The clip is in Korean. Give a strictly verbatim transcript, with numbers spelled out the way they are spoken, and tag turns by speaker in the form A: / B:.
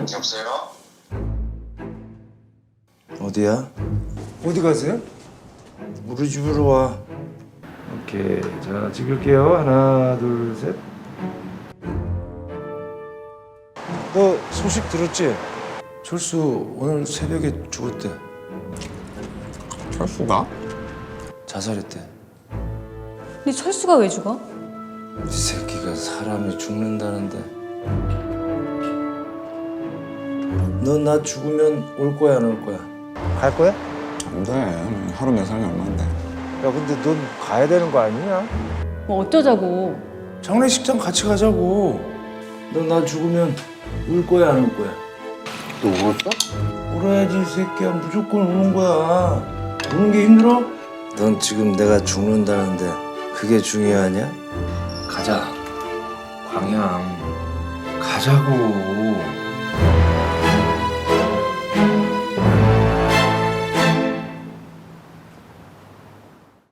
A: 여보세요?
B: 어디야?
C: 어디 가세요?
B: 우리 집으로 와.
C: 오케이, 자 찍을게요. 하나, 둘, 셋.
B: 너 소식 들었지? 철수 오늘 새벽에 죽었대.
D: 철수가?
B: 자살했대.
E: 근데 철수가 왜 죽어?
B: 이 새끼가 사람이 죽는다는데. 너 나 죽으면 올 거야 안 올 거야? 갈 거야?
D: 안 돼. 하루 내 삶이 얼마인데.
B: 야 근데 넌 가야 되는 거 아니냐?
E: 뭐 어쩌자고.
B: 장례식장 같이 가자고. 너 나 죽으면 울 거야 안 울 거야?
D: 너 울었어?
B: 울어야지 이 새끼야. 무조건 우는 거야. 우는 게 힘들어? 넌 지금 내가 죽는다는데 그게 중요하냐? 가자. 광양. 가자고.